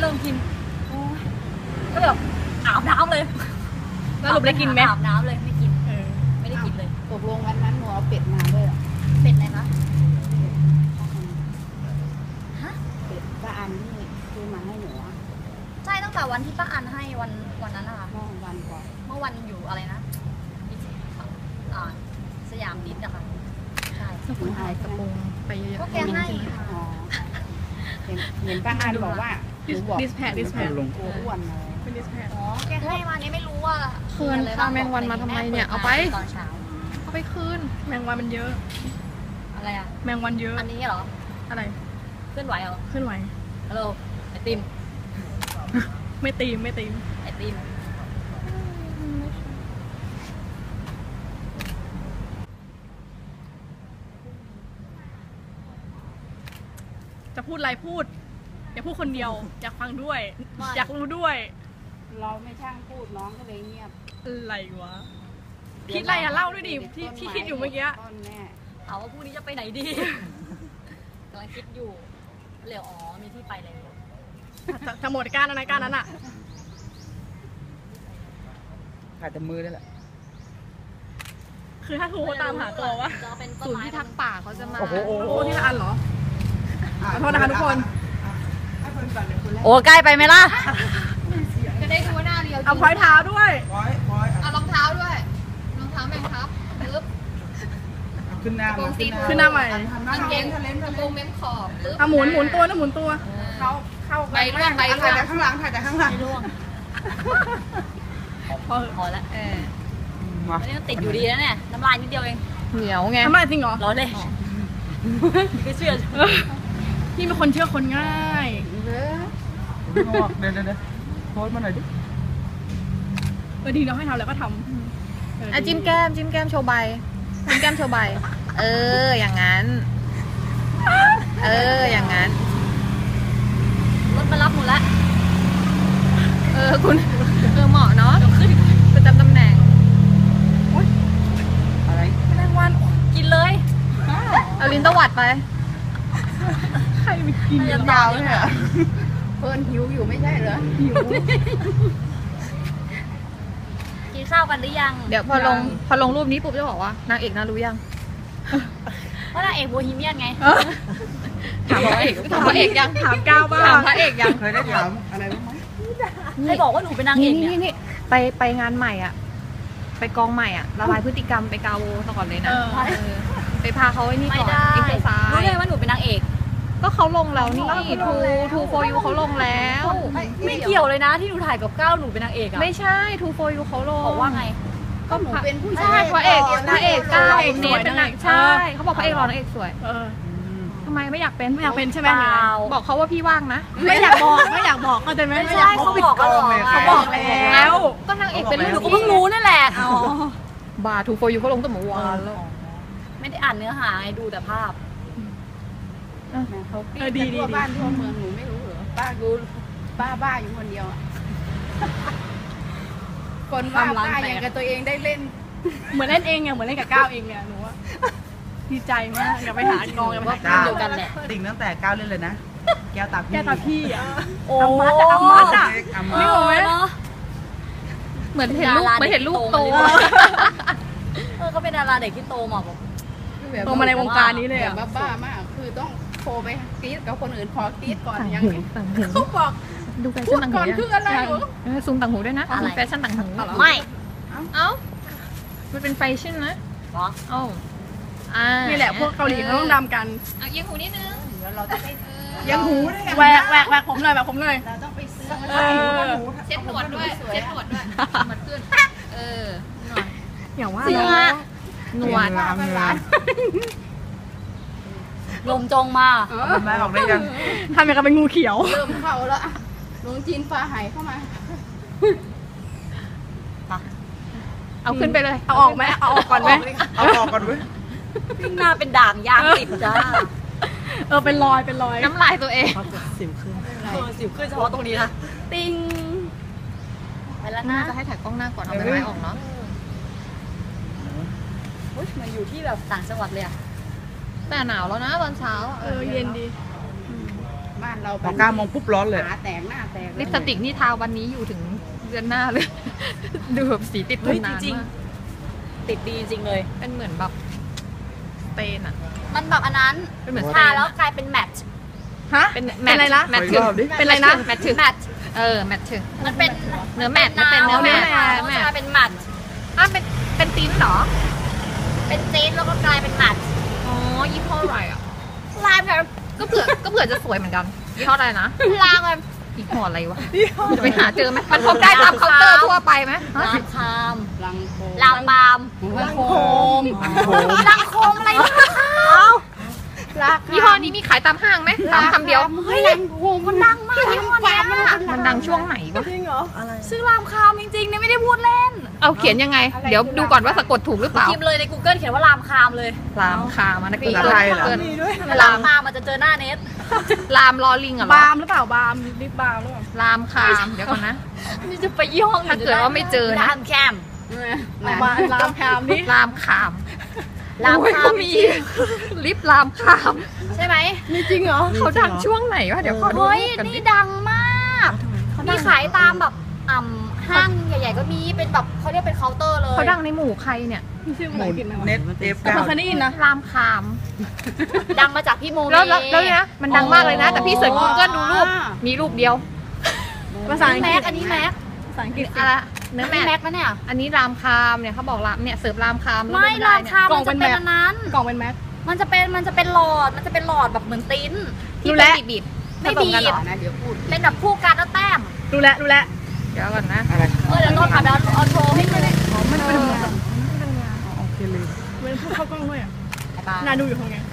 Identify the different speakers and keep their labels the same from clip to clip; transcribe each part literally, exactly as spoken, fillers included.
Speaker 1: ริ่มกินก็แบบอาบน้ำเลย
Speaker 2: แล้วหลุมได้กินไหม
Speaker 1: อาบน้ำเลยไม่กินไม่ได้กินเลย
Speaker 3: ตกลงวันนั้นหนูเอาเป็ดมาด้วย
Speaker 1: เป็ดอะไรคะฮะ
Speaker 3: เป็ดป้าอันนี่ซื้อมาให้หนู
Speaker 1: ใช่ตั้งแต่วันที่ป้าอันให้วันวันนั้นนะคะ
Speaker 3: เมื่อวันก่อน
Speaker 1: เมื่อวันอยู่อะไรนะสยามดิสอะค่ะใช่
Speaker 2: สกุลไทยกระโปรงไปเยอะๆ
Speaker 1: ก็แกให้
Speaker 3: เห็นเห็นป้าอันบอกว่า
Speaker 2: ดิสแพดดิสแพด
Speaker 3: ลงตัวอ้วนเลย
Speaker 2: เป็นดิสแพด
Speaker 1: อ๋อแกให้มาเนี่ยไม่รู้ว่า
Speaker 2: คืนข้าวแมงวันมาทำไมเนี่ยเอาไป
Speaker 1: ตอนเช้า
Speaker 2: เอาไปคืนแมงวันมันเยอะ
Speaker 1: อะไรอะ
Speaker 2: แมงวันเยอะ
Speaker 1: อันนี้เหรอ
Speaker 2: อะไร
Speaker 1: เคลื่อนไหวเหรอ
Speaker 2: เคลื่อนไหว
Speaker 1: ฮัลโหลไอติม
Speaker 2: ไม่ตีมไม่ตีม
Speaker 1: ไอติม
Speaker 2: จะพูดอะไรพูดอย่าพูดคนเดียวอยากฟังด้วยอยากรู้ด้วย
Speaker 3: เราไม่ช่างพูดน้องก็เลยเงียบ
Speaker 2: อะไรวะคิดอะไรอะเล่าด้วยดิที่ที่คิดอยู่เมื่อกี้
Speaker 1: ถามว่าพรุ่งนี้จะไปไหนดีกำลังคิดอยู่เหลียวอ๋อมีที่ไปเลย
Speaker 2: จะหมดการอะไรการนั้นอะ
Speaker 4: ขาดแต่มือได้แหละ
Speaker 2: คือถ้าทูตามหาตัววะศูนย์ที่ทักป่าเขาจะมาโอ้โหที่ละอันเหรอขอโทษนะคะทุกคน
Speaker 1: โอ้ใกล้ไปไหมล่ะ
Speaker 3: จะได้ดูหน้าเรียว
Speaker 2: เอาพอยเท้าด้วย
Speaker 3: เอารองเท้าด้วยรองเท้าแมงทับปึ๊บ
Speaker 4: ขึ้นหน้า
Speaker 2: ขึ้นหน้าใหม่
Speaker 3: กางเกงกระโปรงเม้มขอบปึ๊บ
Speaker 2: เอาหมุนหมุนตัวนะหมุนตัว
Speaker 3: เขาเข้าไปร่วงไป
Speaker 4: ถ่ายแต่ข้างหลังถ่ายแต่ข้างหลัง
Speaker 1: ร่วงพอพอแล้วเอออันนี้ติดอยู่ดีนะเนี่ยน้ำลายนิดเดียวเอง
Speaker 2: เหนียวไงน้ำลายจริงเหรอ
Speaker 1: ร้อนเลยไม่เชื่อ
Speaker 2: พี่เป็นคนเชื่อคนง่าย
Speaker 4: เดี๋ยวเดี๋ยวเดี๋ยวโพสมาหน่อยดิ
Speaker 2: เออดีเราให้ทำแล้วก็ทำ
Speaker 5: อ่ะจิ้มแก้มจิ้มแก้มโชว์ใบจิ้มแก้มโชว์ใบเอออย่างนั้นเอออย่างนั้น
Speaker 1: รถมารับหมดแล้ว
Speaker 5: เออคุณเออเหมาะเนาะประจำตำแหน่ง
Speaker 4: อะไร
Speaker 1: แมลงวันกินเลย
Speaker 5: เอาลิ้นตวัดไป
Speaker 2: ใครไปกิน
Speaker 3: ยาวเนี่ยเพิ่นหิวอยู่ไม่ใช่เหรอหิว
Speaker 1: กินข้าวกันหรือยัง
Speaker 5: เดี๋ยวพอลงพอลงรูปนี้ปุ๊บจะบอกว่านางเอกน่ารู้ยัง
Speaker 1: เพราะนางเอกโบฮีเมียนไง
Speaker 5: ถามพระเอกถามพระเอกยัง
Speaker 2: ถามก้าวบ้าง
Speaker 5: ถามพระเอกยัง
Speaker 4: เคยได้ถามอะไรบ้างไหม
Speaker 1: ให้บอกว่าหนูเป็นนางเอก
Speaker 5: เนี่ยนี่ไปไปงานใหม่อ่ะไปกองใหม่อ่ะละลายพฤติกรรมไปกาโวซะก่อนเลยนะไปพาเขาไอ้นี่ก่อน
Speaker 1: อินเตอร์ไซน์รู้เลยว่าหนูเป็นนางเอก
Speaker 5: ก็เขาลงแล้วนี่ทูทูโฟยูเขาลงแล้ว
Speaker 1: ไม่เกี่ยวเลยนะที่หนูถ่ายกับก้าวหนูเป็นนางเอกอะ
Speaker 5: ไม่ใช่ทูโฟยูเขาลง
Speaker 1: บอกว่าไง
Speaker 3: ก็หนูเป็นผู้ชา
Speaker 5: ยพระเอกพระเอกก้าวเนทเป็นนางใช่เขาบอกพระเอกรอนางเอกสวยทำไมไม่อยากเป็น
Speaker 2: ไม่อยากเป็นใช่ไหม
Speaker 5: บอกเขาว่าพี่ว่างนะ
Speaker 2: ไม่อยากบอกไม่อยากบอกเขาใจไหม
Speaker 1: ไม่ใช่เขาบอกเขา
Speaker 2: เขาบอกแล้ว
Speaker 5: ก็นางเอกเป็น
Speaker 1: หนูก็เพิ่งรู้นั่นแหละ
Speaker 5: บาทูโฟยูเขาลงตั้งแต่เมื่อวานแล้ว
Speaker 1: ไม่ได้อ่านเนื้อหาไงดูแต่ภาพ
Speaker 3: เขาปีนทั่วบ้านทั่วเมืองหนูไม่รู้เหรอป้ารู้ป้าบ้าอยู่คนเดียวอ่ะคนว่าป้าอย่างกับตัวเองได้เล่น
Speaker 2: เหมือนเล่นเองไงเหมือนเล่นกับก้าวเองเนี่ยหนูว่าดีใจมากอย่าไปหากองอย่าไปหาก้าว
Speaker 1: เดียวกันแหละ
Speaker 4: ติ่งตั้งแต่ก้าวเล่นเลยนะแก้วตาพี่
Speaker 2: แก้วตาพี่อ่ะ
Speaker 1: โอ้
Speaker 2: มัดอ่ะมัดอ่ะ
Speaker 1: ไม่โอ้ยเนาะ
Speaker 5: เหมือนเห็นลูกเหมือนเห็นลูกโต
Speaker 1: เออเขาเป็นดาราเด็กที่โตมาบอก
Speaker 2: โตมาในวงการนี้เลยอ่ะ
Speaker 3: บ้ามากคือต้องโทรไปกรี๊ดกับคนอื่นขอกรี๊ดก่อนยังเขาบอก
Speaker 5: ดูแฟชั่นต่างหู
Speaker 3: คืออะไร
Speaker 5: ซูมต่างหูด้วยนะแฟชั่นต่างหู
Speaker 1: ไม่
Speaker 5: เอ้ามันเป็นแฟชั่นนะ
Speaker 1: เหรอ
Speaker 5: เอ้า
Speaker 2: นี่แหละพวกเกาหลีเขาต้องดำกัน
Speaker 5: เอายังหูนิดนึง
Speaker 3: เดี๋ยวเราจะไป
Speaker 2: ยังหูแหวกแหวกแหวกผมเลยแหวกผมเลย
Speaker 3: เราต้องไปซื้อ
Speaker 5: เช็ดหนวดด้วยเช็ดหนวดด้วยมันขึ้นเออหน่อย
Speaker 2: อย่างว่า
Speaker 5: หนวด
Speaker 1: ลมจงมา
Speaker 4: แม่ออกได้ยัง
Speaker 2: ทำอย่างกับเป็นงูเขียว
Speaker 3: เริ่มเข้าแล้วลุงจีนฟ้าหายเข้ามา
Speaker 5: เอาขึ้นไปเลย
Speaker 2: เอาออกไหมเอาออกก่อนไหม
Speaker 4: เอาออกก่อนไหม
Speaker 1: ขึ้นหน้าเป็นด่างยางติดจ้า
Speaker 2: เออเป็นรอยเป็นรอย
Speaker 5: น้ำลายตัวเอง
Speaker 4: สิวขึ้น
Speaker 1: เออสิวขึ้นเฉพาะตรงนี้นะ
Speaker 2: ติง
Speaker 1: ไปแล้วนะ
Speaker 5: จะให้ถ่ายกล้องหน้าก่อนเอาไปไว้ออกเนาะ
Speaker 1: มันอยู่ที่แบบต่างจังหวัดเลยอะ
Speaker 5: แต่หนาวแล้วนะตอนเช้า
Speaker 2: เออเย็นดี
Speaker 3: บ้านเรา
Speaker 4: พอเก้าโมงปุ๊บร้อนเลย
Speaker 3: หาแตกหน้าแตก
Speaker 5: ลิปสติกนี่ทาวันนี้อยู่ถึงเดือนหน้าเลย ดูแบบสีติดท
Speaker 1: เฮ้
Speaker 5: น
Speaker 1: ย
Speaker 5: นาน
Speaker 1: จริง
Speaker 5: มาก
Speaker 1: ๆติดดีจริงเลย
Speaker 5: เป็นเหมือนแบบสเตนอะ
Speaker 1: มันแบบอันนั้น
Speaker 5: เป็นเหมือน
Speaker 1: ทาแล้วกลายเป็นแมทช์
Speaker 2: ฮะ
Speaker 5: เป็น
Speaker 2: เป็นอะไรนะ
Speaker 5: แมทถึง
Speaker 2: เป็นอะไรนะ
Speaker 5: แมทถึง
Speaker 1: แมทช์
Speaker 5: เออแมทถึง
Speaker 1: มันเป็น
Speaker 5: เนื้อแมทมันเป็นเนื้อแมท
Speaker 1: แล้วมันจะกลายเป็นแมทช์
Speaker 5: อ่ะเป็นเป็นติ้นเหรอ
Speaker 1: เป็นเจนแล้วก็กลายเป็นแมทช์
Speaker 5: อ๋อยี่ห้ออะไรอ่ะ
Speaker 1: ลายแบบ
Speaker 5: ก็เผื่อก็เผื่อจะสวยเหมือนกันยี่ห้ออะไรนะ
Speaker 1: ลายแบบ
Speaker 5: ยี่ห้ออะไรวะจะไปหาเจอไหมมันพบได้ตามเคาน์เตอร์ทั่วไปไหมฮะ
Speaker 1: ลามคาม
Speaker 3: ลังโค
Speaker 1: ลามบาม
Speaker 3: ลังโคม
Speaker 1: ลังโคมอะไรเนี่ย
Speaker 3: ลัก
Speaker 5: ยี่ห้อนี้มีขายตามห้างไหมตามคำเดียว
Speaker 3: เฮ้ยลังโคมมันดังมากยี่ห้อนี้
Speaker 5: มันดังช่วงไหนวะ
Speaker 1: ชื่อลามคามจริงๆเนี่ยไม่ได้พูดเล่น
Speaker 5: เอาเขียนยังไง เดี๋ยวดูก่อนว่าสะกดถูกหรือเปล่า
Speaker 1: พิมพ์เลยใน Google เขียนว่าลามคามเลย
Speaker 5: ลามคามอันนั้นคือ
Speaker 4: ภาษาไทยเหรอ
Speaker 5: เกิน
Speaker 1: ถ้าลามคามมันจะเจอหน้าเน็ต
Speaker 5: ลามลอลิงเหรอบ
Speaker 2: าล์มหรือเปล่าบาล์มลิปบาล์มหรือเปล่า
Speaker 5: ลามคามเดี๋ยวก่อนนะ
Speaker 1: นี่จะไปยี่ห้ออื่น
Speaker 5: ถ้าเกิดว่าไม่เจอนะ
Speaker 1: ลามแคม
Speaker 2: เอามาลามแคมนี่
Speaker 5: ลามคาม
Speaker 1: ลาม
Speaker 5: โอ้ย
Speaker 1: คา
Speaker 5: ก็
Speaker 1: ม
Speaker 5: มีลิปลามคาม
Speaker 1: ใช่ไหม
Speaker 2: มีจริงเหรอ
Speaker 5: เขาดังช่วงไหนวะเดี๋ยวขอดู
Speaker 1: เฮ้ย
Speaker 5: กันดิ
Speaker 1: นี่ดังมากมีขายตามแบบอ่ำห้างใหญ่ๆก็มีเป็นแบบเขาเรียกเป็นเคาน์เตอร์เลย
Speaker 5: เขาดังในหมู่ใครเนี่ย
Speaker 2: มีชื่อ
Speaker 4: ห
Speaker 2: ภาษา
Speaker 4: มุ
Speaker 2: อั
Speaker 4: น
Speaker 2: งกฤษไหมวะ
Speaker 4: เน็ตเอฟ
Speaker 2: แต่
Speaker 4: เก้า
Speaker 2: เคยได้ยินนะ
Speaker 5: ลามคาม
Speaker 1: ดังมาจากพี่โมเม
Speaker 5: แล้วแล้วแล้วเนี่ยนะมันดังมากเลยนะ แต่พี่เสิร์ช Google ดูรูปมีรูปเดียว
Speaker 2: ภาษาอังก
Speaker 1: แม็
Speaker 2: ฤ
Speaker 1: ก
Speaker 2: ษ
Speaker 1: อันนี้แม็ก
Speaker 2: ภาษาอังกฤษสิ
Speaker 5: อะไรเนื้อ
Speaker 1: นี่
Speaker 5: แม
Speaker 1: แม็
Speaker 5: ท
Speaker 1: กนะเนี่ย
Speaker 5: อันนี้รามคามเนี่ยเขาบอกรามเนี่ยเสิร์ฟรามคามแล้ว
Speaker 1: ไม่
Speaker 5: ด้
Speaker 1: ลามคาม
Speaker 2: กล่
Speaker 1: มั
Speaker 2: อง
Speaker 1: น
Speaker 2: เป็
Speaker 1: จะ
Speaker 2: น
Speaker 1: เป็น
Speaker 2: แบบ
Speaker 1: อันนั้น
Speaker 2: กล่องเป็นแม็ก
Speaker 1: มันจะเป็นมันจะเป็นหลอดมันจะเป็นหลอดแบบเหมือนติ้น
Speaker 5: ที่
Speaker 2: รู้
Speaker 5: เป็
Speaker 2: แล้
Speaker 5: น
Speaker 2: ว
Speaker 5: บีบ
Speaker 1: ไม่
Speaker 5: ผส
Speaker 1: บี
Speaker 5: กันเหร
Speaker 1: บ
Speaker 5: อ
Speaker 3: นะเดี๋ยวพูด
Speaker 1: เป็นแบบคู่กันแล้วแต้ม
Speaker 2: รู้แล้วรู้แล้ว
Speaker 5: เดี๋ยวก่อนนะ
Speaker 4: อะไร
Speaker 1: เออเดี๋ยวต้นค่ะเดี๋ยวเอาโชว์ให้ดูเลย
Speaker 2: มันเป็น
Speaker 4: โอเคเลย
Speaker 2: เป็นพูดเข้ากล้องด้วยอ่ะ
Speaker 1: ปลา
Speaker 2: น่าดูอยู่ทำไง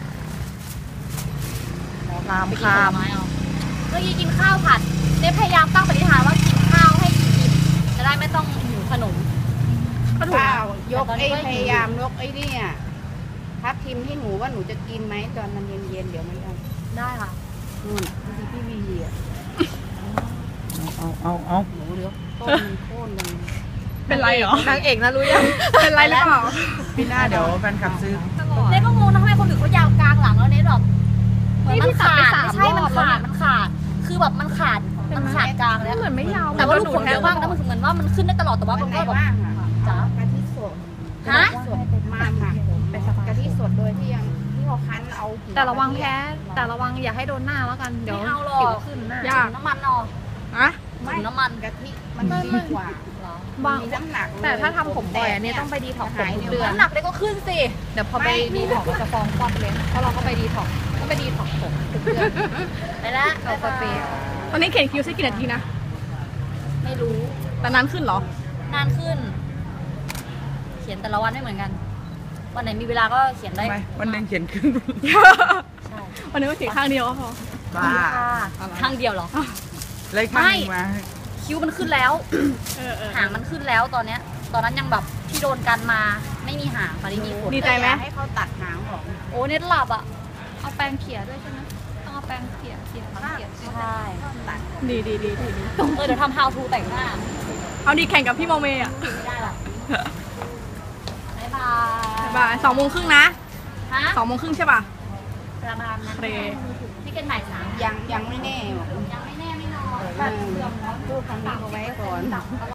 Speaker 5: ราม
Speaker 1: ไปกิน
Speaker 5: คา
Speaker 1: ผล
Speaker 5: ม
Speaker 1: ไม้เอาเมื่อกี้กินข้าวผัดเนยพยายามตั้งปณิธานว่ากินข้าวให้อิ่มๆจะได้ไม่ต้องหิวขนม
Speaker 2: ก็ถูก
Speaker 3: เป
Speaker 2: นะ
Speaker 3: ล่ายกไอ้พยายามยกไอ้เนี่ยทับทิมให้หนูว่าหนูจะกินไหมตอนมันเย็นๆเดี๋ยวมันจะ
Speaker 1: ได้ค่ะ
Speaker 3: นู่นที่พี่วีอ่ะ
Speaker 4: เอาเอาเอา
Speaker 3: หนูเดี๋ยวต้นโค่นเลย
Speaker 2: เป็นไรเหรอ
Speaker 5: นางเอกนะรู้ยัง
Speaker 2: เป็นไรหรือเปล่า
Speaker 4: พี่หน้าเดี๋ยวแฟนคลับซื้อ
Speaker 5: ตลอด
Speaker 1: เนยก็งงนะทำไมคนอื่นเขายาวกลางหลังแล้วเนยแบบเหมือน
Speaker 5: นี่
Speaker 1: มัน
Speaker 5: พี่ตัด
Speaker 1: ขา
Speaker 5: ไป
Speaker 1: ด
Speaker 5: สาม
Speaker 1: ไม่ใช่
Speaker 5: ร
Speaker 1: มั
Speaker 5: อน บแล้ว
Speaker 1: ขาด
Speaker 5: นะ
Speaker 1: มันขาด คือแบบมันขาดมันขาดกลางแล้ว
Speaker 5: เหมือนไม่ยาว
Speaker 1: แต่ว่าลูกขนเยอะมากนะมันเหมือนว่ามันขึ้นได้ตลอดแต่ว่า
Speaker 3: วั
Speaker 1: มัน น
Speaker 3: ไหน
Speaker 1: ก็แบบ
Speaker 3: ว่างอ่ะ
Speaker 1: จ๋าก
Speaker 3: ะทิสด
Speaker 1: ฮะ
Speaker 3: สดมากค่ะกะทิสดโดยที่ยังที่เขาคั้นเอาหั
Speaker 5: แต่ระวังแพ้ แต่ระวังอย่าให้โดนหน้าแล้วกัน เดี๋ยว
Speaker 1: ไม่เอาหรอก
Speaker 5: สิวขึ้นหน้า
Speaker 2: ยาก
Speaker 1: น้ำมันเนอะ
Speaker 2: อะ
Speaker 1: ถุงน้ำมัน
Speaker 3: กะทิมันดีกว่า
Speaker 5: บาง
Speaker 3: มีน้ำหนักเลย
Speaker 5: แต่ถ้าทำผมบ่อยอันนี้ต้องไปดีท็อกซ์ผมทุกเดือน
Speaker 1: น้ำหนักเลยก็ขึ้นสิ
Speaker 5: เดี๋ยวพอไปดีท็อกซ์ก็จะฟองควัดเลยเพราะเราก็ไปดีท็อกซ์ก็ไปดีท็อกซ์ผมทุกเดือน
Speaker 1: ไปแล้ว
Speaker 5: เอาสเปรย์
Speaker 2: ตอนนี้เขียนคิวใช้กี่นาทีนะ
Speaker 1: ไม่รู้
Speaker 2: แต่นั้นขึ้นเหรอ
Speaker 1: นานขึ้น เขียนแต่ละวันไม่เหมือนกัน วันไหนมีเวลาก็เขียนได้
Speaker 4: ทำไมวันหนึ่งเขียนขึ้น
Speaker 1: ใช่
Speaker 2: วันนี้ก็เขียนข้างเดียวก็พอ
Speaker 4: บ้า
Speaker 1: ค่ะข้างเดียวเหรอ
Speaker 4: เล็กมากมา
Speaker 1: คิ้วมันขึ้นแล้ว
Speaker 2: เออเออ
Speaker 1: หางมันขึ้นแล้วตอนเนี้ย ตอนนั้นยังแบบที่โดนกันมาไม่มีหางตอนนี้มีขน
Speaker 2: ดีใจไหม
Speaker 3: อยากให้เขาตัดหางออก
Speaker 1: โอ้เน็ตหลับอ่ะ
Speaker 5: เอาแปรงเขี่ยด้วยใช่ไหมต้องเอาแปรงเขี่ยเขี่ยเขี่ย
Speaker 1: ใช่
Speaker 2: ดีดีดีดีดี
Speaker 1: เออเดี๋ยวทำ how to แต่งหน้า
Speaker 2: เอาดีแข่งกับพี่โมเมอ่ะ
Speaker 1: ไม่ได้หรอกบ๊ายบาย
Speaker 2: บ่ายสองโมงครึ่งนะ
Speaker 1: ฮะ
Speaker 2: สองโมงครึ่งใช่ป่ะ
Speaker 1: ประมาณนั้น
Speaker 2: โอเค
Speaker 1: นี่กันบ่ายสาม
Speaker 3: ยังยังไม่แน่บอก
Speaker 1: ยังไม่แน่ไม่นอน
Speaker 3: เออพูดคำนี้เขาไว้ก่อน